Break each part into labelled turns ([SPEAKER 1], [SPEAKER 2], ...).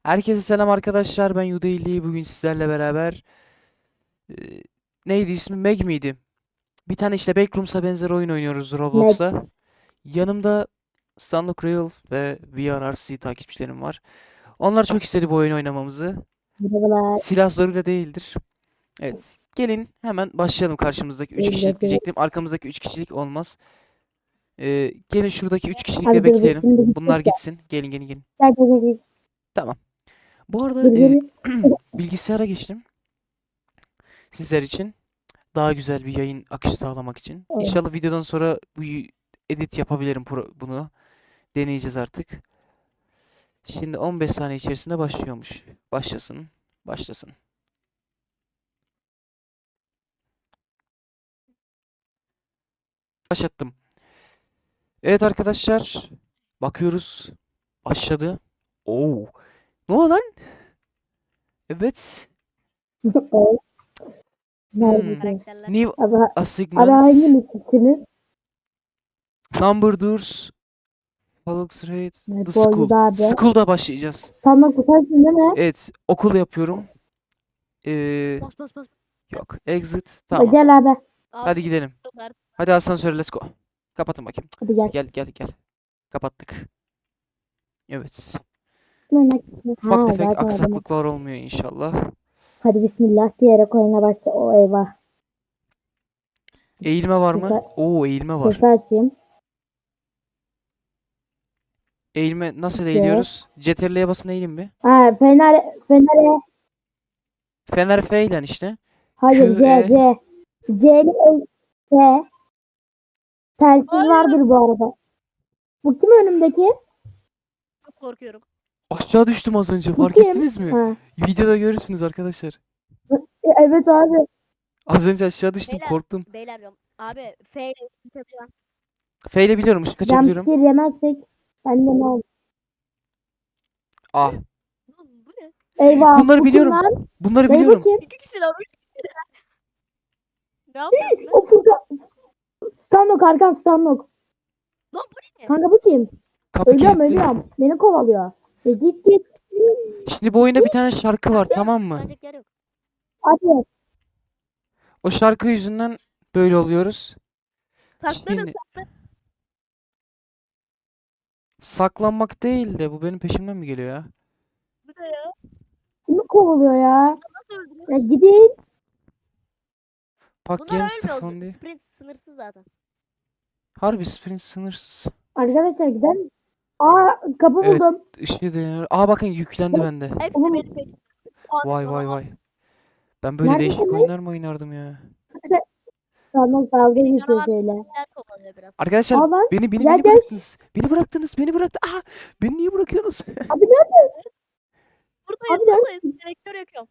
[SPEAKER 1] Herkese selam arkadaşlar. Ben Yudeyli. Bugün sizlerle beraber e, neydi ismi? Meg miydi? Bir tane işte Backrooms'a benzer oyun oynuyoruz
[SPEAKER 2] Mac.
[SPEAKER 1] Roblox'ta. Yanımda Stanley Real ve VRRC takipçilerim var. Onlar çok istedi bu oyunu oynamamızı.
[SPEAKER 2] Merhabalar.
[SPEAKER 1] Silah zoruyla değildir. Evet. Gelin hemen başlayalım karşımızdaki 3 kişilik
[SPEAKER 2] Evladı.
[SPEAKER 1] diyecektim. Arkamızdaki 3 kişilik olmaz. Gelin şuradaki 3 kişilikle
[SPEAKER 2] Abi dur dur.
[SPEAKER 1] bekleyelim.
[SPEAKER 2] Şimdi
[SPEAKER 1] Bunlar
[SPEAKER 2] gidecek ya.
[SPEAKER 1] gitsin. Gelin gelin gelin.
[SPEAKER 2] Gel gel gel. Gel.
[SPEAKER 1] Tamam. Bu arada
[SPEAKER 2] Gir gir.
[SPEAKER 1] bilgisayara geçtim. Sizler için. Daha güzel bir yayın akışı sağlamak için.
[SPEAKER 2] Evet.
[SPEAKER 1] İnşallah videodan sonra bu edit yapabilirim bunu. Deneyeceğiz artık. Şimdi 15 saniye içerisinde başlıyormuş. Başlasın. Başlasın. Başlattım. Evet arkadaşlar. Bakıyoruz. Başladı. Oo. Ne oldu lan? Evet.
[SPEAKER 2] Evet.
[SPEAKER 1] Hmm.
[SPEAKER 2] Nerede?
[SPEAKER 3] Karakterler.
[SPEAKER 1] New
[SPEAKER 2] Abi, abi
[SPEAKER 1] assignments.
[SPEAKER 2] hangi misiniz?
[SPEAKER 1] Number doors. Follows rate. The
[SPEAKER 2] Bu
[SPEAKER 1] school.
[SPEAKER 2] oyunda abi.
[SPEAKER 1] School'da başlayacağız.
[SPEAKER 2] Standart kutarsın değil mi?
[SPEAKER 1] Evet. Okul yapıyorum. Ee,
[SPEAKER 3] Bas bas bas.
[SPEAKER 1] yok. Exit. Tamam.
[SPEAKER 2] Gel abi.
[SPEAKER 1] Hadi gidelim.
[SPEAKER 3] Abi,
[SPEAKER 1] Hadi asansöre let's go. Kapatın bakayım.
[SPEAKER 2] Hadi gel.
[SPEAKER 1] Gel gel gel. Kapattık. Evet.
[SPEAKER 2] Ha
[SPEAKER 1] Ufak tefek
[SPEAKER 2] zaten adamı.
[SPEAKER 1] aksaklıklar olmuyor inşallah.
[SPEAKER 2] Hadi bismillah diyerek oyuna başla. O eyvah.
[SPEAKER 1] Eğilme var mı?
[SPEAKER 2] Sesi,
[SPEAKER 1] Oo eğilme var.
[SPEAKER 2] sesi açayım.
[SPEAKER 1] Eğilme nasıl
[SPEAKER 2] G.
[SPEAKER 1] eğiliyoruz? CTRL'ye basın eğilin bir.
[SPEAKER 2] Ha Fener.
[SPEAKER 1] Fener F ile işte.
[SPEAKER 2] Hayır
[SPEAKER 1] Q, E.
[SPEAKER 2] C. C'li C. Telsiz
[SPEAKER 3] Hayır.
[SPEAKER 2] vardır bu arada. Bu kim önümdeki?
[SPEAKER 3] çok korkuyorum.
[SPEAKER 1] Aşağı düştüm az önce.
[SPEAKER 2] Bu
[SPEAKER 1] Fark
[SPEAKER 2] kim?
[SPEAKER 1] ettiniz mi?
[SPEAKER 2] Ha.
[SPEAKER 1] Videoda görürsünüz arkadaşlar.
[SPEAKER 2] Evet abi.
[SPEAKER 1] Az önce aşağı düştüm
[SPEAKER 3] Beyler.
[SPEAKER 1] korktum.
[SPEAKER 3] Beyler diyorum. Abi F ile tutabiliyorum.
[SPEAKER 1] F ile biliyorum ışık açabiliyorum.
[SPEAKER 2] Jumpscare yemezsek bende ne olur?
[SPEAKER 1] Ah.
[SPEAKER 3] Bu ne?
[SPEAKER 2] Eyvah.
[SPEAKER 1] Bunları
[SPEAKER 2] bu
[SPEAKER 1] biliyorum.
[SPEAKER 2] kim lan?
[SPEAKER 1] Bunları
[SPEAKER 2] Dayı bu
[SPEAKER 1] biliyorum.
[SPEAKER 2] kim?
[SPEAKER 3] İki kişiler. Üç kişiler. Ne yapıyorsun lan?
[SPEAKER 2] O Furkan. Stanlok Arkan Stanlok.
[SPEAKER 3] Lan bu ne?
[SPEAKER 2] Kanka bu kim?
[SPEAKER 1] Kapı
[SPEAKER 2] Ölüyorum
[SPEAKER 1] kilitli.
[SPEAKER 2] ölüyorum. Beni kovalıyor. Git.
[SPEAKER 1] Şimdi bu oyunda bir tane şarkı var tamam mı?
[SPEAKER 3] Bence yer yok.
[SPEAKER 2] Hadi.
[SPEAKER 1] O şarkı yüzünden böyle oluyoruz.
[SPEAKER 3] Saklanın.
[SPEAKER 1] Şimdi saklanmak değil de bu benim peşimden mi geliyor ya?
[SPEAKER 3] Bu ne ya?
[SPEAKER 2] Kimi kovalıyor ya?
[SPEAKER 3] Nasıl öldürüyor?
[SPEAKER 2] Ya gidin.
[SPEAKER 1] Pak
[SPEAKER 3] Bunlar
[SPEAKER 1] Games
[SPEAKER 3] ölmüyor.
[SPEAKER 1] Fondi.
[SPEAKER 3] Sprint sınırsız zaten.
[SPEAKER 1] Harbi sprint sınırsız.
[SPEAKER 2] Arkadaşlar gidelim. Aa kapı
[SPEAKER 1] Evet.
[SPEAKER 2] buldum.
[SPEAKER 1] Işığı dönüyor. Aa bakın yüklendi bende.
[SPEAKER 3] Hepsi
[SPEAKER 2] Oğlum.
[SPEAKER 3] benim peşimde.
[SPEAKER 1] Vay vay vay. Ben böyle değişik
[SPEAKER 2] Neredesiniz?
[SPEAKER 1] oyunlar mı oynardım ya?
[SPEAKER 2] Stanlok dalga
[SPEAKER 3] Beni
[SPEAKER 2] geçiyor
[SPEAKER 3] canavar
[SPEAKER 2] şöyle.
[SPEAKER 3] Yer kovalıyor biraz.
[SPEAKER 1] Arkadaşlar
[SPEAKER 2] Aa lan.
[SPEAKER 1] beni
[SPEAKER 2] Gel.
[SPEAKER 1] bıraktınız. Beni bıraktı. Aa beni niye bırakıyorsunuz?
[SPEAKER 2] Abi nerede?
[SPEAKER 3] Buradayız
[SPEAKER 2] Abi,
[SPEAKER 3] buradayız. Selektör yakıyorum.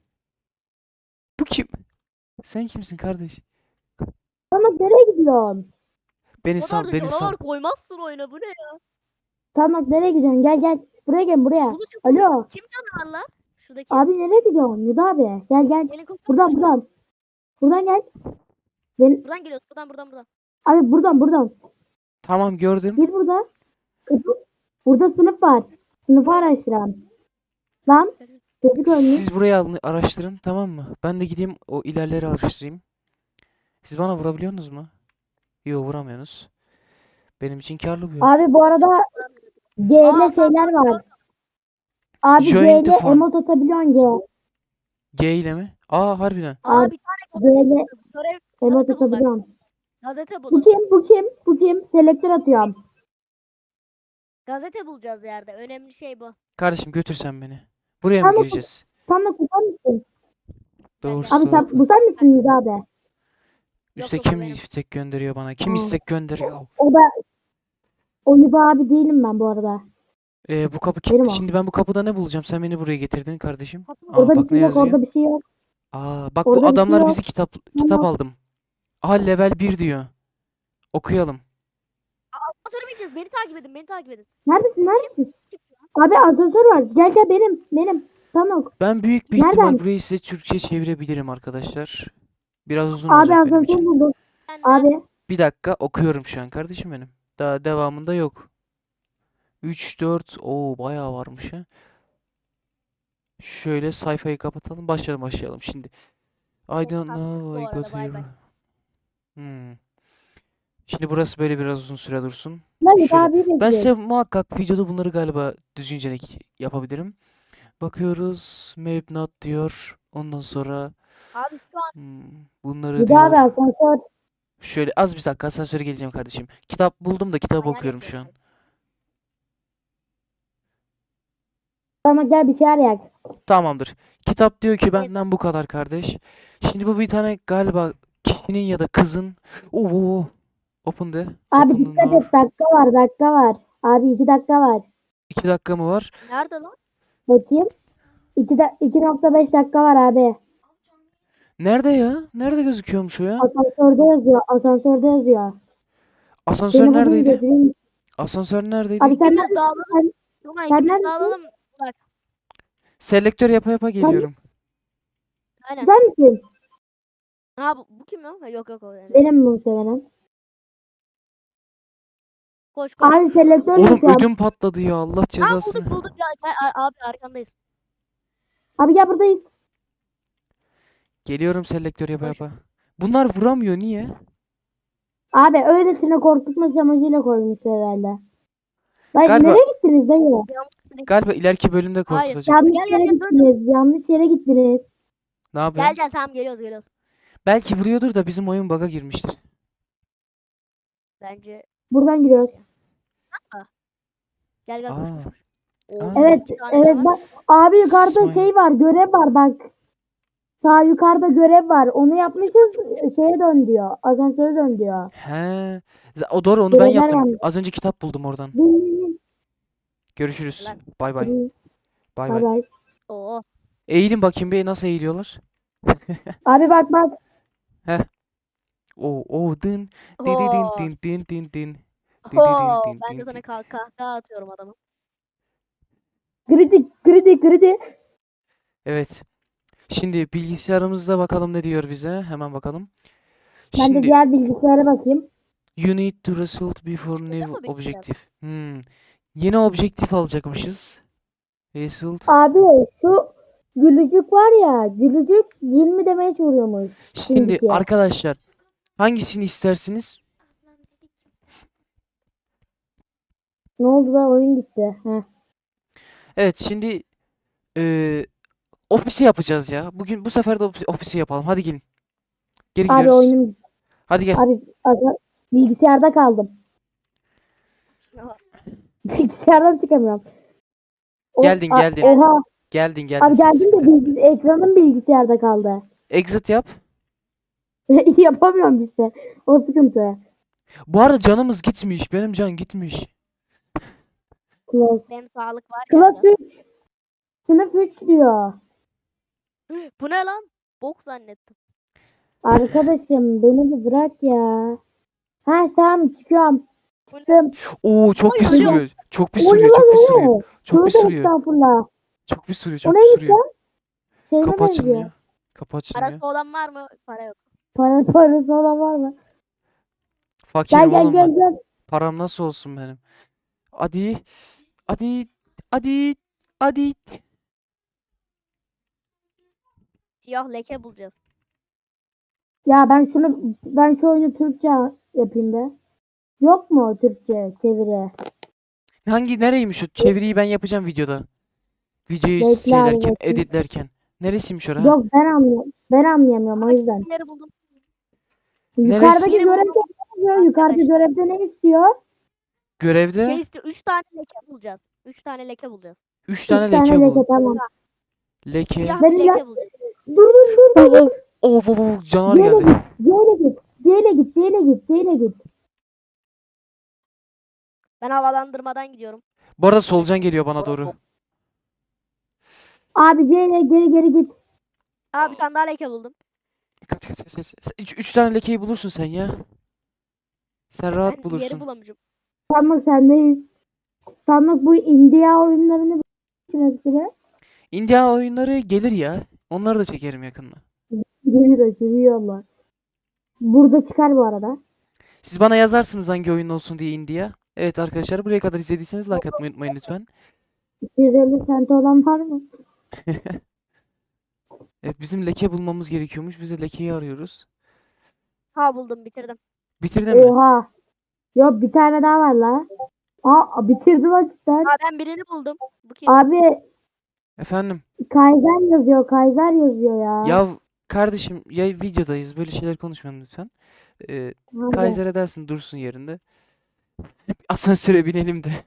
[SPEAKER 1] Bu kim? Sen kimsin kardeş?
[SPEAKER 2] Stanlok nereye gidiyorsun?
[SPEAKER 1] Beni
[SPEAKER 3] O
[SPEAKER 1] sal,
[SPEAKER 3] kadar da
[SPEAKER 1] beni sal.
[SPEAKER 3] canavar koymazsın oyuna. Bu ne ya?
[SPEAKER 2] Stanlok nereye gidiyorsun? Gel. Buraya gel buraya.
[SPEAKER 3] Buluşun.
[SPEAKER 2] Alo.
[SPEAKER 3] Kim canavarlar? Şuradaki.
[SPEAKER 2] Abi nereye gidiyorsun? Yuda abi. Gel.
[SPEAKER 3] Helikopter.
[SPEAKER 2] Buradan. Buradan gel. Ben,
[SPEAKER 3] Buradan geliyoruz. Buradan.
[SPEAKER 2] abi buradan.
[SPEAKER 1] Tamam gördüm.
[SPEAKER 2] Gir burada. Burada sınıf var. Sınıfı araştıran. Lan. Çocuk ölmüş.
[SPEAKER 1] Siz burayı araştırın tamam mı? Ben de gideyim o ilerleri araştırayım. Siz bana vurabiliyorsunuz mu? Yok vuramıyorsunuz. Benim için karlı bir yol.
[SPEAKER 2] Abi bu arada G'yle şeyler var. Abi
[SPEAKER 1] Join the
[SPEAKER 2] G'yle
[SPEAKER 1] fun.
[SPEAKER 2] emot atabiliyorsun G.
[SPEAKER 1] G ile mi? Aa harbiden.
[SPEAKER 3] Aa bir tane
[SPEAKER 2] G'yle
[SPEAKER 3] görev
[SPEAKER 2] emot
[SPEAKER 3] gazete bul bak.
[SPEAKER 2] atabiliyorsun.
[SPEAKER 3] Gazete
[SPEAKER 2] Bu
[SPEAKER 3] bulun.
[SPEAKER 2] kim? Selektör atıyorum.
[SPEAKER 3] Gazete bulacağız yerde. Önemli şey bu.
[SPEAKER 1] Kardeşim götür sen beni. Buraya mı
[SPEAKER 2] Tamam.
[SPEAKER 1] gireceğiz?
[SPEAKER 2] Sen tutar mısın?
[SPEAKER 1] Doğrusu
[SPEAKER 2] Abi sen bu sen misin Yuda abi?
[SPEAKER 1] Üste
[SPEAKER 3] Yok,
[SPEAKER 1] kim
[SPEAKER 3] benim.
[SPEAKER 1] istek gönderiyor bana? Kim
[SPEAKER 2] Aa.
[SPEAKER 1] istek gönderiyor?
[SPEAKER 2] O Yuda abi değilim ben bu arada.
[SPEAKER 1] Bu kapı
[SPEAKER 2] Benim
[SPEAKER 1] kilitli.
[SPEAKER 2] o.
[SPEAKER 1] Şimdi ben bu kapıda ne bulacağım? Sen beni buraya getirdin kardeşim. Aa
[SPEAKER 2] Orada
[SPEAKER 1] bak
[SPEAKER 2] bir
[SPEAKER 1] ne
[SPEAKER 2] şey yok,
[SPEAKER 1] yazıyor.
[SPEAKER 2] orada bir şey yok.
[SPEAKER 1] Aa bak
[SPEAKER 2] Orada
[SPEAKER 1] bu
[SPEAKER 2] bir şey
[SPEAKER 1] adamlar
[SPEAKER 2] yok.
[SPEAKER 1] bizi kitap
[SPEAKER 2] Tamam.
[SPEAKER 1] aldım. Aha level 1 diyor. Okuyalım.
[SPEAKER 3] Asansöre bineceğiz. Beni takip edin.
[SPEAKER 2] Neredesin? Abi asansör var. Gel benim. Stanok.
[SPEAKER 1] Ben büyük bir
[SPEAKER 2] Nereden?
[SPEAKER 1] ihtimal burayı size Türkçe çevirebilirim arkadaşlar. Biraz uzun
[SPEAKER 2] Abi
[SPEAKER 1] olacak benim
[SPEAKER 2] asansör
[SPEAKER 1] için.
[SPEAKER 2] buldum.
[SPEAKER 3] Ben
[SPEAKER 2] Abi.
[SPEAKER 1] Bir dakika okuyorum şu an kardeşim benim. Daha devamında yok. 3, 4, bayağı varmış ha. Şöyle sayfayı kapatalım. Başlayalım şimdi. I
[SPEAKER 3] Çok
[SPEAKER 1] don't
[SPEAKER 3] tatlı
[SPEAKER 1] know
[SPEAKER 3] bu
[SPEAKER 1] I
[SPEAKER 3] arada,
[SPEAKER 1] got
[SPEAKER 3] bay
[SPEAKER 1] here.
[SPEAKER 3] bay.
[SPEAKER 1] Hmm. Şimdi burası böyle biraz uzun süre dursun.
[SPEAKER 2] Mehmet
[SPEAKER 1] Şöyle.
[SPEAKER 2] abi
[SPEAKER 1] Ben
[SPEAKER 2] bekliyor.
[SPEAKER 1] size muhakkak videoda bunları galiba düzgünce yapabilirim. Bakıyoruz. Map not diyor. Ondan sonra
[SPEAKER 3] Abi şu an
[SPEAKER 1] bunları
[SPEAKER 2] Bir daha bir
[SPEAKER 1] diyor.
[SPEAKER 2] asansör.
[SPEAKER 1] Şöyle az bir dakika asansöre geleceğim kardeşim. Kitap buldum da kitabı
[SPEAKER 3] ayar
[SPEAKER 1] okuyorum şu
[SPEAKER 3] yapıyorum
[SPEAKER 1] an.
[SPEAKER 3] ben.
[SPEAKER 2] Sana gel bir şeyler yak.
[SPEAKER 1] Tamamdır. Kitap diyor ki
[SPEAKER 3] Neyse.
[SPEAKER 1] benden bu kadar kardeş. Şimdi bu bir tane galiba kişinin ya da kızın. Oo. Open the.
[SPEAKER 2] Abi
[SPEAKER 1] Open the
[SPEAKER 2] dikkat
[SPEAKER 1] door.
[SPEAKER 2] et, dakika var. Abi 2 dakika var.
[SPEAKER 1] 2 dakika mı var?
[SPEAKER 3] Nerede lan?
[SPEAKER 2] Bakayım. 2,5 dakika var abi.
[SPEAKER 1] Nerede ya? Nerede gözüküyormuş o ya?
[SPEAKER 2] Asansörde yazıyor. Asansörde yazıyor.
[SPEAKER 1] Asansör
[SPEAKER 2] Seni bugün
[SPEAKER 1] neredeydi?
[SPEAKER 2] götüreyim.
[SPEAKER 1] Asansör neredeydi?
[SPEAKER 2] Abi sen
[SPEAKER 3] İkimiz
[SPEAKER 2] neredesin?
[SPEAKER 3] dağılalım.
[SPEAKER 2] Sen,
[SPEAKER 3] Tuna
[SPEAKER 2] sen
[SPEAKER 3] ikimiz
[SPEAKER 2] neredesin?
[SPEAKER 3] dağılalım. Bak.
[SPEAKER 1] Selektör yapa yapa
[SPEAKER 2] Sen,
[SPEAKER 1] geliyorum.
[SPEAKER 3] Aynen.
[SPEAKER 2] sen misin?
[SPEAKER 3] Ha bu kim lan? Ha, yok yok o yani.
[SPEAKER 2] Benim muhtemelen.
[SPEAKER 3] Koş koş.
[SPEAKER 2] Abi selektör
[SPEAKER 1] Oğlum
[SPEAKER 2] yapıyorum.
[SPEAKER 1] ödüm patladı ya. Allah
[SPEAKER 3] Aa
[SPEAKER 1] cezasını.
[SPEAKER 3] bulduk ya. Abi arkandayız.
[SPEAKER 2] Abi gel buradayız.
[SPEAKER 1] Geliyorum selektör yapa
[SPEAKER 3] Koş.
[SPEAKER 1] yapa. Bunlar vuramıyor niye?
[SPEAKER 2] Abi öylesine korkutma amacıyla koymuş herhalde. Dayı
[SPEAKER 1] Galiba
[SPEAKER 2] nereye gittiniz dayı?
[SPEAKER 1] galiba ileriki bölümde
[SPEAKER 3] Hayır.
[SPEAKER 1] korkutacak.
[SPEAKER 2] Yanlış
[SPEAKER 3] Gel,
[SPEAKER 2] yere
[SPEAKER 3] gel, dur, dur.
[SPEAKER 2] gittiniz. Yanlış yere gittiniz.
[SPEAKER 1] Ne yapıyorsun?
[SPEAKER 3] Gel tamam geliyoruz.
[SPEAKER 1] Belki vuruyordur da bizim oyun bug'a girmiştir.
[SPEAKER 3] Bence.
[SPEAKER 2] Buradan giriyoruz.
[SPEAKER 3] Gel koş
[SPEAKER 1] Aa.
[SPEAKER 3] koş. Oo,
[SPEAKER 1] Aa.
[SPEAKER 2] Evet,
[SPEAKER 3] iki tane
[SPEAKER 2] evet
[SPEAKER 3] daha var.
[SPEAKER 2] bak. Abi yukarıda
[SPEAKER 1] İsmail.
[SPEAKER 2] şey var, görev var bak. Sağ yukarıda görev var. Onu yapmışız. Şeye dön diyor. Asansöre dön diyor.
[SPEAKER 1] He. O doğru onu ben
[SPEAKER 2] Görevler
[SPEAKER 1] yaptım.
[SPEAKER 2] var.
[SPEAKER 1] Az önce kitap buldum oradan.
[SPEAKER 2] Bin,
[SPEAKER 1] Görüşürüz.
[SPEAKER 3] Lan.
[SPEAKER 1] Bay bay.
[SPEAKER 2] bin.
[SPEAKER 1] Bay
[SPEAKER 2] Bay
[SPEAKER 1] bay.
[SPEAKER 2] bay.
[SPEAKER 3] Oo.
[SPEAKER 1] Eğilin bakayım bir nasıl eğiliyorlar.
[SPEAKER 2] Abi bak.
[SPEAKER 1] Oo dın. Din din
[SPEAKER 3] Oo.
[SPEAKER 1] din din din din. Din din
[SPEAKER 3] Oo.
[SPEAKER 1] din
[SPEAKER 3] Ben de
[SPEAKER 1] din
[SPEAKER 3] sana
[SPEAKER 1] din.
[SPEAKER 3] kahkaha atıyorum adamı.
[SPEAKER 2] Kritik.
[SPEAKER 1] Evet. Şimdi bilgisayarımızda bakalım ne diyor bize. Hemen bakalım.
[SPEAKER 2] Ben de
[SPEAKER 1] Şimdi
[SPEAKER 2] diğer bilgisayara bakayım.
[SPEAKER 1] you need to result before
[SPEAKER 3] Şurada
[SPEAKER 1] new
[SPEAKER 3] mı bilgisayar?
[SPEAKER 1] objective. Yeni objektif alacakmışız. Result.
[SPEAKER 2] Abi şu gülücük var ya. Gülücük 20 demeye vuruyormuş.
[SPEAKER 1] Şimdi
[SPEAKER 2] Şimdiki.
[SPEAKER 1] arkadaşlar hangisini istersiniz?
[SPEAKER 2] Ne oldu da oyun gitti. Heh.
[SPEAKER 1] Evet şimdi ofisi yapacağız ya. Bugün bu sefer de ofisi yapalım. Hadi gelin. Geri
[SPEAKER 2] Abi
[SPEAKER 1] gidiyoruz.
[SPEAKER 2] oyunum.
[SPEAKER 1] Hadi gel.
[SPEAKER 2] Abi bilgisayarda kaldım. Bilgisayardan çıkamıyorum.
[SPEAKER 1] Geldin.
[SPEAKER 2] Oha.
[SPEAKER 1] Geldin
[SPEAKER 2] Abi geldim de
[SPEAKER 1] sıkıntı.
[SPEAKER 2] ekranım bilgisayarda kaldı.
[SPEAKER 1] Exit yap.
[SPEAKER 2] Yapamıyorum işte. O sıkıntı.
[SPEAKER 1] Bu arada canımız gitmiş. Benim can gitmiş.
[SPEAKER 2] Close.
[SPEAKER 3] Benim sağlık var ya.
[SPEAKER 2] Class 3. Sınıf 3 diyor.
[SPEAKER 3] Bu ne lan? Bok zannettim.
[SPEAKER 2] Arkadaşım beni bir bırak ya. Ha tamam çıkıyorum.
[SPEAKER 3] Bu ne?
[SPEAKER 2] Çıktım.
[SPEAKER 1] Oo çok
[SPEAKER 3] Oy,
[SPEAKER 1] pis
[SPEAKER 3] oy,
[SPEAKER 1] sürüyor. Çok pis
[SPEAKER 2] O ne
[SPEAKER 1] sürüyor.
[SPEAKER 2] lan
[SPEAKER 1] Çok pis
[SPEAKER 2] o?
[SPEAKER 1] sürüyor. Çok pis
[SPEAKER 2] Tövbe
[SPEAKER 1] sürüyor.
[SPEAKER 2] estağfurullah.
[SPEAKER 1] Çok pis sürüyor.
[SPEAKER 2] O
[SPEAKER 1] Çok pis
[SPEAKER 2] neymiş
[SPEAKER 1] sürüyor.
[SPEAKER 2] lan? Şeyime
[SPEAKER 1] Kapı
[SPEAKER 2] benziyor.
[SPEAKER 1] açılmıyor. Kapı açılmıyor.
[SPEAKER 3] Parası olan var mı? Para yok.
[SPEAKER 2] Parası olan var mı?
[SPEAKER 1] Fakirim
[SPEAKER 2] Gel
[SPEAKER 1] oğlum ben.
[SPEAKER 2] gel.
[SPEAKER 1] Param nasıl olsun benim? Hadi. Hadi. Hadi. Hadi.
[SPEAKER 3] Siyah leke bulacağız.
[SPEAKER 2] Ya ben şu oyunu Türkçe yapayım be. Yok mu Türkçe çeviri?
[SPEAKER 1] Nereymiş o? Çeviriyi ben yapacağım videoda. Videoyu
[SPEAKER 2] Bekle abi,
[SPEAKER 1] şeylerken,
[SPEAKER 2] bakayım.
[SPEAKER 1] editlerken. Neresiymiş orası?
[SPEAKER 2] Yok ben anlayamıyorum o yüzden.
[SPEAKER 3] Kimleri buldum?
[SPEAKER 2] Yukarıdaki
[SPEAKER 3] Neresi?
[SPEAKER 2] görevde ne istiyor? Yukarıda görevde ne istiyor?
[SPEAKER 1] Görevde
[SPEAKER 3] Şey istiyor. 3 tane leke bulacağız. 3 tane leke bulacağız.
[SPEAKER 1] 3
[SPEAKER 2] 3
[SPEAKER 1] tane
[SPEAKER 2] tane
[SPEAKER 1] leke
[SPEAKER 2] leke
[SPEAKER 1] bu.
[SPEAKER 2] tamam.
[SPEAKER 1] Leke.
[SPEAKER 3] Siyah
[SPEAKER 2] Benim
[SPEAKER 3] bir
[SPEAKER 2] ya-
[SPEAKER 3] leke bulacağız.
[SPEAKER 2] Dur.
[SPEAKER 1] Oh, canavar
[SPEAKER 2] C'yle
[SPEAKER 1] geldi.
[SPEAKER 2] git. C'yle git.
[SPEAKER 3] Ben havalandırmadan gidiyorum.
[SPEAKER 1] Bu arada solucan geliyor bana doğru.
[SPEAKER 2] Abi C'yle geri git.
[SPEAKER 3] Abi bir tane daha leke buldum.
[SPEAKER 1] Kaç. 3 tane lekeyi bulursun sen ya. Sen rahat
[SPEAKER 3] Ben
[SPEAKER 1] bulursun.
[SPEAKER 3] yeri bulamayacağım.
[SPEAKER 2] Sanmak sendeyiz. Sanmak bu India oyunlarını hepsine
[SPEAKER 1] India oyunları gelir ya. Onları da çekerim yakında.
[SPEAKER 2] geliyor Burada çıkar bu arada.
[SPEAKER 1] Siz bana yazarsınız hangi oyun olsun diye India. Evet arkadaşlar buraya kadar izlediyseniz like atmayı unutmayın lütfen.
[SPEAKER 2] 250 sent olan var mı?
[SPEAKER 1] Evet, bizim leke bulmamız gerekiyormuş. Biz de lekeyi arıyoruz.
[SPEAKER 3] Ha buldum, bitirdim.
[SPEAKER 1] Bitirdin mi?
[SPEAKER 2] Oha. Yok bir tane daha var la. Aa bitirdim açıkçası.
[SPEAKER 3] Ha ben birini buldum. Bu kim?
[SPEAKER 2] Abi
[SPEAKER 1] Efendim?
[SPEAKER 2] Kaiser yazıyor. Kaiser yazıyor ya.
[SPEAKER 1] Ya kardeşim, ya videodayız. Böyle şeyler konuşmayalım lütfen.
[SPEAKER 2] Abi.
[SPEAKER 1] Kaiser edersin, dursun yerinde. Asansöre binelim de.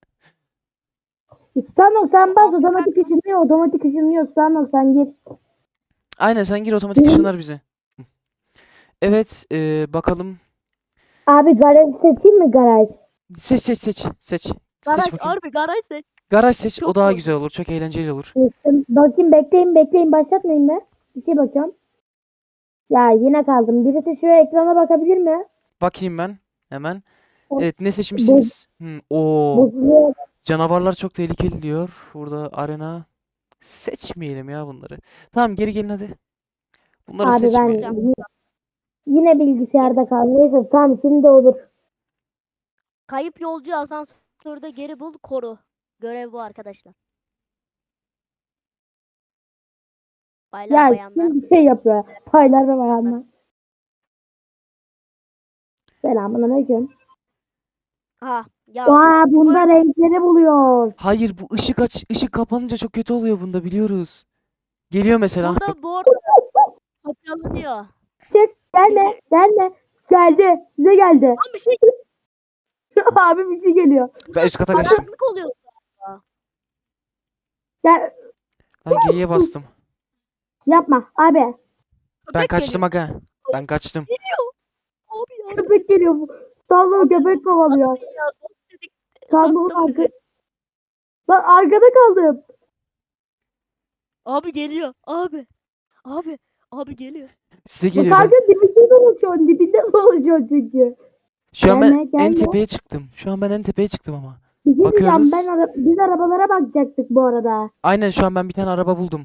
[SPEAKER 2] İstanbul sen bas otomatik ışınlıyor. Otomatik ışınlıyor. İstanbul sen gir.
[SPEAKER 1] Aynen, sen gir, otomatik ışınlar bizi. Evet, bakalım.
[SPEAKER 2] Abi garaj seçeyim mi garaj?
[SPEAKER 1] Seç. Seç
[SPEAKER 3] Garaj,
[SPEAKER 1] bakayım.
[SPEAKER 3] harbi garaj seç.
[SPEAKER 1] Garaj seç.
[SPEAKER 3] Çok
[SPEAKER 1] O daha
[SPEAKER 3] doğru.
[SPEAKER 1] güzel olur. Çok eğlenceli olur.
[SPEAKER 2] Bakayım bekleyin başlatmayın be. Bir şey bakıyorum. Ya yine kaldım. Birisi şu ekrana bakabilir mi?
[SPEAKER 1] Bakayım ben hemen.
[SPEAKER 2] O-
[SPEAKER 1] Evet, ne seçmişsiniz? Oo,
[SPEAKER 2] Bu
[SPEAKER 1] canavarlar çok tehlikeli diyor. Burada arena. Seçmeyelim ya bunları. Tamam, geri gelin hadi. Bunları
[SPEAKER 2] abi ben
[SPEAKER 1] seçmeyelim.
[SPEAKER 2] yine bilgisayarda kaldım. Neyse tamam şimdi olur.
[SPEAKER 3] Kayıp yolcu asansörde geri bul, koru. Görev bu arkadaşlar. Baylar
[SPEAKER 2] Ya
[SPEAKER 3] bayanlar.
[SPEAKER 2] kim bir şey yapıyor. Paylar ve bayanlar. Selamünaleyküm.
[SPEAKER 3] Ha ya
[SPEAKER 2] Aa bunda renkleri buluyor.
[SPEAKER 1] Hayır, bu ışık kapanınca çok kötü oluyor bunda, biliyoruz. Geliyor mesela.
[SPEAKER 3] burada bu arada kopyalanıyor.
[SPEAKER 2] Çık gelme gelme. Geldi size geldi.
[SPEAKER 3] Lan bir şey
[SPEAKER 2] Abi bir şey geliyor.
[SPEAKER 1] Ben üst kata kaçtım.
[SPEAKER 3] karanlık oluyor.
[SPEAKER 2] Gel
[SPEAKER 1] Ben G'ye bastım.
[SPEAKER 2] yapma abi.
[SPEAKER 1] Ben
[SPEAKER 3] Köpek
[SPEAKER 1] kaçtım
[SPEAKER 3] geliyor.
[SPEAKER 1] aga. Ben kaçtım.
[SPEAKER 3] Abi ya.
[SPEAKER 2] Köpek geliyor. Sandal köpek kovalıyor.
[SPEAKER 3] Ya, dedik,
[SPEAKER 2] Sandalın
[SPEAKER 3] sattın bizi.
[SPEAKER 2] arka. Lan arkada kaldım.
[SPEAKER 3] Abi geliyor. Abi geliyor.
[SPEAKER 1] Size
[SPEAKER 2] Bu
[SPEAKER 1] geliyor. Ben
[SPEAKER 2] kanka dibinde dolaşıyor. Dibinde dolaşıyor çünkü.
[SPEAKER 1] şu an
[SPEAKER 2] Gelme,
[SPEAKER 1] en
[SPEAKER 2] gelme.
[SPEAKER 1] tepeye çıktım. Şu an ben en tepeye çıktım ama.
[SPEAKER 2] Bir şey diyeceğim.
[SPEAKER 1] Bakıyoruz.
[SPEAKER 2] Biz arabalara bakacaktık bu arada.
[SPEAKER 1] Aynen, şu an ben bir tane araba buldum.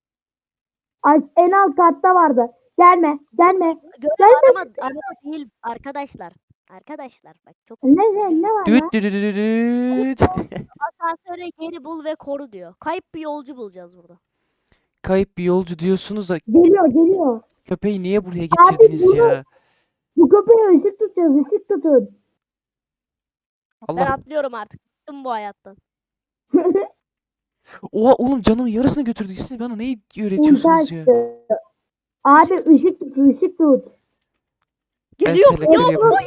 [SPEAKER 2] En alt katta vardı. Gelme.
[SPEAKER 3] Görev araba değil arkadaşlar. Arkadaşlar bak çok
[SPEAKER 2] Ne var
[SPEAKER 1] Düt
[SPEAKER 2] lan?
[SPEAKER 1] düt düt düt düt.
[SPEAKER 3] asansöre geri bul ve koru diyor. Kayıp bir yolcu bulacağız burada.
[SPEAKER 1] Kayıp bir yolcu diyorsunuz da
[SPEAKER 2] Geliyor.
[SPEAKER 1] köpeği niye buraya getirdiniz
[SPEAKER 2] bunu-
[SPEAKER 1] ya?
[SPEAKER 2] Bu köpeğe ışık tutacağız. Işık tutun.
[SPEAKER 3] Ben
[SPEAKER 1] Allah.
[SPEAKER 3] atlıyorum artık. Bıktım bu hayattan.
[SPEAKER 1] Oha oğlum, canımın yarısını götürdük. Siz bana neyi
[SPEAKER 2] Ulti
[SPEAKER 1] öğretiyorsunuz ya?
[SPEAKER 2] açtı. Abi ışık tut.
[SPEAKER 1] Ben
[SPEAKER 3] Geliyor.
[SPEAKER 1] selektör
[SPEAKER 3] Ya,
[SPEAKER 1] yapıyorum.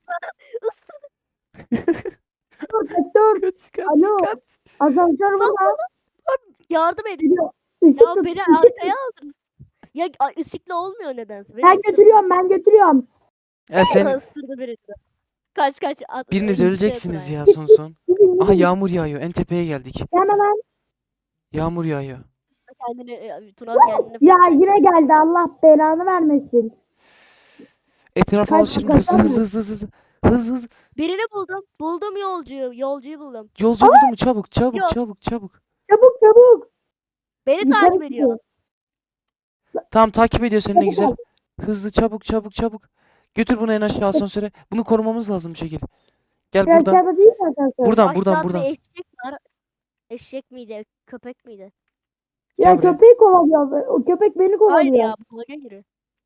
[SPEAKER 3] ısırdı.
[SPEAKER 2] Dur.
[SPEAKER 1] Kaç
[SPEAKER 2] Alo.
[SPEAKER 1] kaç.
[SPEAKER 2] Asansör burada.
[SPEAKER 3] Yardım edin.
[SPEAKER 2] Geliyor. Işık
[SPEAKER 3] Ya
[SPEAKER 2] tut.
[SPEAKER 3] beni
[SPEAKER 2] ışık
[SPEAKER 3] arkaya
[SPEAKER 2] tut.
[SPEAKER 3] aldınız. Ya ışıkla olmuyor nedense. Beni
[SPEAKER 2] Ben
[SPEAKER 3] ısırdı.
[SPEAKER 2] götürüyorum.
[SPEAKER 1] Sen
[SPEAKER 3] Isırdı beni. Kaç.
[SPEAKER 1] biriniz
[SPEAKER 3] Şey
[SPEAKER 1] öleceksiniz
[SPEAKER 3] yapın
[SPEAKER 1] ya son.
[SPEAKER 2] Gidin.
[SPEAKER 1] Aha, yağmur yağıyor. En tepeye geldik.
[SPEAKER 2] Gelme lan.
[SPEAKER 1] Yağmur yağıyor.
[SPEAKER 3] Tuna kendini
[SPEAKER 2] Ya yine geldi. Allah belanı vermesin.
[SPEAKER 1] Etrafa
[SPEAKER 2] Kaç-
[SPEAKER 1] alışırım.
[SPEAKER 2] kaç-
[SPEAKER 1] Hız.
[SPEAKER 3] birini buldum. Buldum yolcuyu buldum.
[SPEAKER 1] Yolcu buldu mu? Çabuk.
[SPEAKER 3] Yok.
[SPEAKER 2] Çabuk.
[SPEAKER 3] Beni
[SPEAKER 2] Yukarı
[SPEAKER 3] takip ediyor.
[SPEAKER 2] çıkıyor.
[SPEAKER 1] Tamam, takip ediyor seni, ne
[SPEAKER 2] Çabuk
[SPEAKER 1] güzel.
[SPEAKER 2] ol.
[SPEAKER 1] Hızlı, çabuk. Götür bunu en aşağı asansöre. Bunu korumamız lazım bir şekilde. Gel
[SPEAKER 2] Biraz
[SPEAKER 1] buradan.
[SPEAKER 2] aşağıda değil mi asansör?
[SPEAKER 1] Buradan.
[SPEAKER 3] Aşağıda bir eşek var. Eşek miydi? Köpek miydi?
[SPEAKER 2] Ya
[SPEAKER 1] Gel buraya.
[SPEAKER 2] köpeği kovalıyor. O köpek beni
[SPEAKER 3] Hayır
[SPEAKER 2] kovalıyor.
[SPEAKER 3] ya. Bulaga giriyor.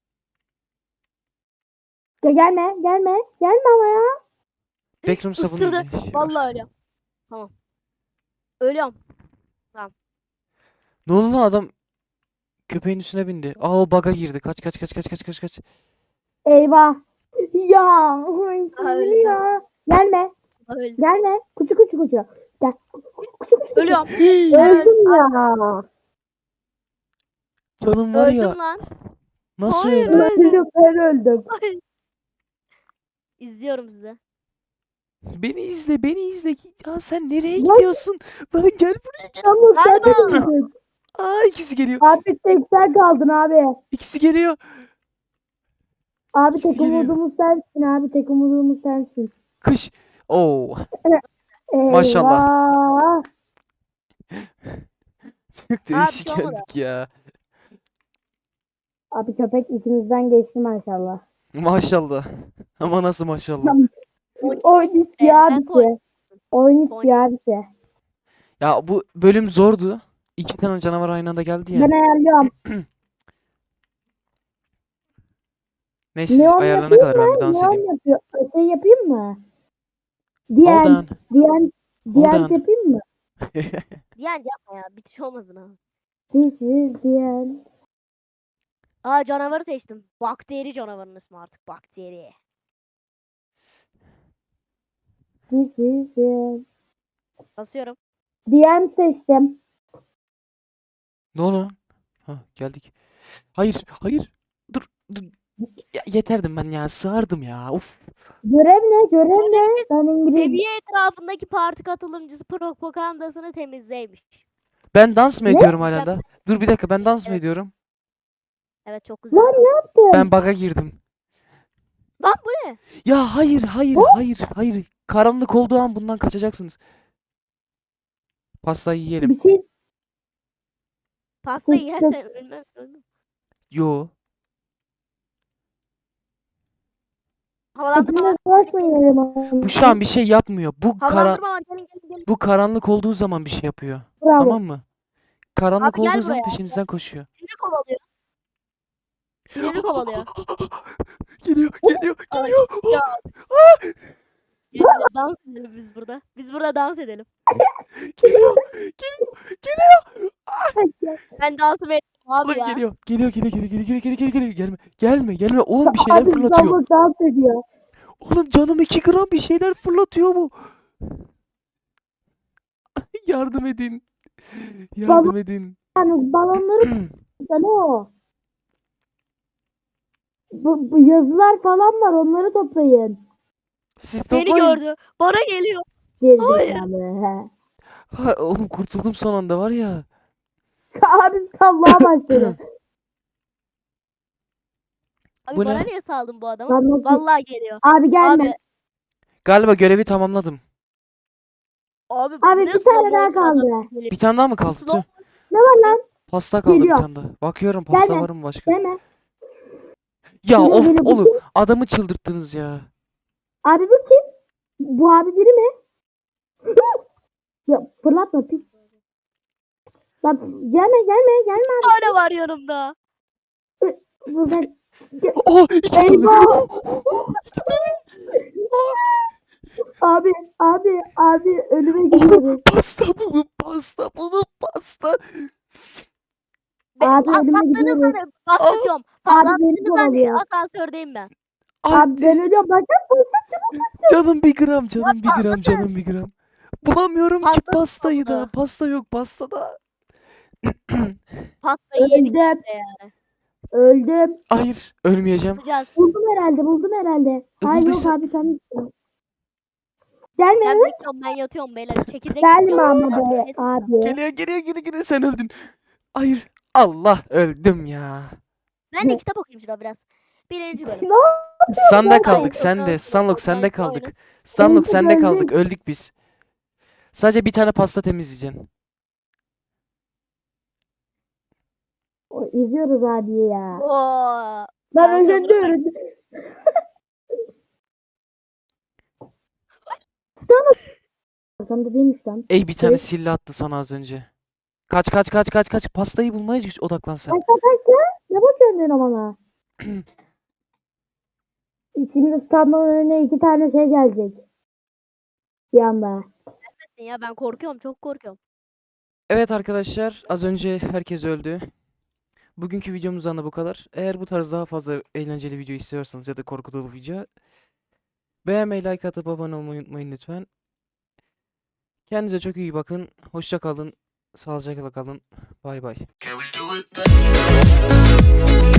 [SPEAKER 2] Ya gelme. Gelme ama ya.
[SPEAKER 1] Backroom sabunu.
[SPEAKER 3] Isırdı. Vallahi öyle. Tamam. Ölüyorum.
[SPEAKER 1] Ne oldu lan, adam köpeğin üstüne bindi. Aa, o bug'a girdi. Kaç.
[SPEAKER 2] Eyvah. Ya.
[SPEAKER 3] öldü.
[SPEAKER 2] Ya. Gelme.
[SPEAKER 3] Öldüm.
[SPEAKER 2] Kuçu. Gel. Kuçu.
[SPEAKER 3] Ölüyorum.
[SPEAKER 2] Öldüm ya.
[SPEAKER 1] Canım var ya.
[SPEAKER 3] Öldüm lan.
[SPEAKER 1] Nasıl
[SPEAKER 3] Hayır,
[SPEAKER 1] öldü?
[SPEAKER 2] Ben öldüm.
[SPEAKER 3] Ay. İzliyorum sizi.
[SPEAKER 1] Beni izle. Ya sen nereye
[SPEAKER 2] Lan-
[SPEAKER 1] gidiyorsun? Lan gel buraya gel.
[SPEAKER 2] Yalnız sen de
[SPEAKER 3] Galiba.
[SPEAKER 2] öldün.
[SPEAKER 1] Aa, ikisi geliyor.
[SPEAKER 2] Artık tek sen kaldın abi.
[SPEAKER 1] İkisi geliyor.
[SPEAKER 2] Abi
[SPEAKER 1] İkisi
[SPEAKER 2] tek
[SPEAKER 1] geliyor.
[SPEAKER 2] umudumuz sensin abi. Tek umudumuz sensin.
[SPEAKER 1] Kış. Oo. Maşallah.
[SPEAKER 2] Eyvah.
[SPEAKER 1] Çok
[SPEAKER 3] bir
[SPEAKER 1] değişik
[SPEAKER 3] şey olmadı.
[SPEAKER 1] geldik ya.
[SPEAKER 2] Abi köpek içimizden geçti maşallah.
[SPEAKER 1] Maşallah. Ama nasıl maşallah.
[SPEAKER 2] Oyun istiyor
[SPEAKER 3] Ben
[SPEAKER 2] abisi. Oyun istiyor abisi.
[SPEAKER 1] Ya bu bölüm zordu. İki tane canavar aynı anda geldi ya.
[SPEAKER 2] Ben ayarlıyorum.
[SPEAKER 1] Neyse siz
[SPEAKER 2] Neon
[SPEAKER 1] ayarlarına
[SPEAKER 2] yapayım
[SPEAKER 1] kadar ben
[SPEAKER 2] mı?
[SPEAKER 1] bir dans
[SPEAKER 2] Neon
[SPEAKER 1] edeyim.
[SPEAKER 2] yapıyor. Şey yapayım mı?
[SPEAKER 1] Hold on.
[SPEAKER 2] Diyen
[SPEAKER 1] Hold on.
[SPEAKER 2] yapayım mı?
[SPEAKER 3] Diyen yapma ya. Bitiş olmasın ha.
[SPEAKER 2] This is diyen.
[SPEAKER 3] Aa, canavarı seçtim. Bakteri canavarının ismi artık. Bakteri.
[SPEAKER 2] This is diyen.
[SPEAKER 3] Basıyorum.
[SPEAKER 2] Diyen seçtim.
[SPEAKER 1] Ne oldu lan? Ha, geldik. Hayır, hayır. Dur, dur. Ya, yeterdim ben ya. Sığardım ya. Uf.
[SPEAKER 2] Görev ne? Görev ne? Ben İngiliz.
[SPEAKER 3] Seviye etrafındaki parti katılımcısı propagandasını temizleymiş.
[SPEAKER 1] Ben dans mı
[SPEAKER 2] Ne?
[SPEAKER 1] ediyorum hala da? Dur bir dakika ben dans mı
[SPEAKER 3] Evet.
[SPEAKER 1] ediyorum?
[SPEAKER 3] Evet, çok güzel.
[SPEAKER 2] Lan ne yaptın?
[SPEAKER 1] Ben bug'a girdim.
[SPEAKER 3] Lan bu ne?
[SPEAKER 1] Ya hayır, hayır, hayır, hayır. Karanlık olduğu an bundan kaçacaksınız. Pastayı yiyelim.
[SPEAKER 2] Bir şey
[SPEAKER 3] Pastayı
[SPEAKER 2] Tık tık.
[SPEAKER 3] yersen ölmem.
[SPEAKER 1] Yo.
[SPEAKER 3] Havalandırma var.
[SPEAKER 2] hepimiz bulaşmayalım.
[SPEAKER 1] Bu şu an bir şey yapmıyor.
[SPEAKER 3] Havalandırma var. Gelin.
[SPEAKER 1] Bu karanlık olduğu zaman bir şey yapıyor.
[SPEAKER 2] Bravo.
[SPEAKER 1] Tamam mı? Karanlık
[SPEAKER 3] Abi gel
[SPEAKER 1] olduğu zaman
[SPEAKER 3] buraya.
[SPEAKER 1] peşinizden koşuyor.
[SPEAKER 3] Siniri kovalıyor. Siniri kovalıyor.
[SPEAKER 1] Geliyor, geliyor,
[SPEAKER 3] Ay,
[SPEAKER 1] geliyor.
[SPEAKER 3] ya. Gel, dans edelim biz burada. Biz burada dans edelim.
[SPEAKER 1] Geliyor, geliyor, geliyor.
[SPEAKER 3] Ben dansımı ettim abi
[SPEAKER 1] Oğlum
[SPEAKER 3] ya.
[SPEAKER 1] geliyor. Geliyor, geliyor, geliyor, geliyor, geliyor, geliyor, geliyor. Gelme, gelme, gelme. Oğlum bir şeyler
[SPEAKER 2] Abi
[SPEAKER 1] fırlatıyor.
[SPEAKER 2] İstanbul dans ediyor.
[SPEAKER 1] Oğlum canım 2 gram bir şeyler fırlatıyor bu. Yardım edin. Yardım edin.
[SPEAKER 2] Yani balonları ne o? Bu yazılar falan var, onları toplayın.
[SPEAKER 1] Siz
[SPEAKER 3] Beni
[SPEAKER 1] toplayın.
[SPEAKER 3] gördü. Bana geliyor.
[SPEAKER 2] Gerizekalı.
[SPEAKER 1] Ha, oğlum kurtuldum son anda var ya.
[SPEAKER 2] Abi sallağa başladı.
[SPEAKER 3] Abi
[SPEAKER 1] Bu
[SPEAKER 3] bana
[SPEAKER 1] ne?
[SPEAKER 3] niye saldın bu adamı?
[SPEAKER 2] Ben nasıl-
[SPEAKER 3] Vallahi geliyor.
[SPEAKER 2] Abi gelme.
[SPEAKER 3] Abi,
[SPEAKER 1] Galiba görevi tamamladım.
[SPEAKER 3] abi,
[SPEAKER 2] Abi
[SPEAKER 3] ne
[SPEAKER 2] bir tane
[SPEAKER 3] slow
[SPEAKER 2] daha
[SPEAKER 3] motion adam
[SPEAKER 2] kaldı.
[SPEAKER 3] geliyor.
[SPEAKER 1] Bir tane daha mı kaldı?
[SPEAKER 3] Slow-
[SPEAKER 1] Tüh.
[SPEAKER 2] Ne var lan?
[SPEAKER 1] Pasta kaldı bir
[SPEAKER 2] Geliyor.
[SPEAKER 1] tane daha. Bakıyorum pasta
[SPEAKER 2] Gelme.
[SPEAKER 1] var mı başka?
[SPEAKER 2] Deme.
[SPEAKER 1] Ya
[SPEAKER 2] Geliyor,
[SPEAKER 1] of
[SPEAKER 2] geliyor. Bu
[SPEAKER 1] oğlum adamı çıldırttınız ya.
[SPEAKER 2] Abi bu kim? Bu abi biri mi? Ya fırlatma pis. Lan gelme abi.
[SPEAKER 3] Hala var yanımda.
[SPEAKER 2] Burada.
[SPEAKER 1] Oh iki tane.
[SPEAKER 2] Eyvah. Abi önüme gidiyoruz.
[SPEAKER 1] Pasta buldum pasta.
[SPEAKER 2] Abi önüme
[SPEAKER 3] Patlattığınız
[SPEAKER 2] gidiyoruz.
[SPEAKER 3] hani patlatıyorum.
[SPEAKER 2] Abi beni
[SPEAKER 3] Patlattığınız hani
[SPEAKER 2] kovalıyor.
[SPEAKER 3] asansördeyim ben.
[SPEAKER 1] Ay,
[SPEAKER 2] Abi ben ölüyorum. Bak
[SPEAKER 1] canım bir gram canım bir gram. Bulamıyorum ki
[SPEAKER 3] Patladı
[SPEAKER 1] pastayı da.
[SPEAKER 3] patladı.
[SPEAKER 1] Pasta yok pastada.
[SPEAKER 3] Pastayı yedik
[SPEAKER 2] öldüm.
[SPEAKER 3] yani.
[SPEAKER 2] Öldüm.
[SPEAKER 1] Hayır ölmeyeceğim.
[SPEAKER 3] Yapacağız.
[SPEAKER 2] Buldum herhalde. Hayır yok
[SPEAKER 1] bulduysa-
[SPEAKER 2] abi sen gelme.
[SPEAKER 3] Ben yatıyorum beyler. Çekirdek
[SPEAKER 2] Gelme
[SPEAKER 3] yiyorum.
[SPEAKER 2] ama be
[SPEAKER 3] Evet.
[SPEAKER 2] abi.
[SPEAKER 1] Geliyor sen öldün. Hayır. Allah öldüm ya.
[SPEAKER 3] Ben de kitap okuyayım şurada biraz. Birinci bölüm.
[SPEAKER 2] Ne oldu?
[SPEAKER 1] Sende
[SPEAKER 2] Yok,
[SPEAKER 1] kaldık
[SPEAKER 3] yok,
[SPEAKER 1] sende.
[SPEAKER 3] yok,
[SPEAKER 1] Stanlok
[SPEAKER 3] yok,
[SPEAKER 1] sende
[SPEAKER 3] yok,
[SPEAKER 1] kaldık.
[SPEAKER 3] oyna.
[SPEAKER 1] Stanlok
[SPEAKER 2] Öldük,
[SPEAKER 1] sende kaldık.
[SPEAKER 2] öldük.
[SPEAKER 1] Öldük biz. Sadece bir tane pasta temizleyeceksin.
[SPEAKER 2] İzliyoruz abi ya.
[SPEAKER 3] Oo.
[SPEAKER 2] Ben
[SPEAKER 3] Ben
[SPEAKER 2] öldüm. Arkamda değilmiş lan.
[SPEAKER 1] Ey bir tane
[SPEAKER 2] Evet.
[SPEAKER 1] sille attı sana az önce. Kaç. Pastayı bulmaya odaklan sen.
[SPEAKER 2] Kaç. Ne bakıyorsun bana? Şimdi İstanbul'un önüne 2 tane şey gelecek. Bir anda.
[SPEAKER 3] Ya ben korkuyorum. Çok korkuyorum.
[SPEAKER 1] Evet arkadaşlar az önce herkes öldü. Bugünkü videomuzdan da bu kadar. Eğer bu tarz daha fazla eğlenceli video istiyorsanız ya da korku dolu video beğenmeyi, like atıp abone olmayı unutmayın lütfen. Kendinize çok iyi bakın. Hoşça kalın. Sağlıcakla kalın. Bay bay.
[SPEAKER 4] Can we do it?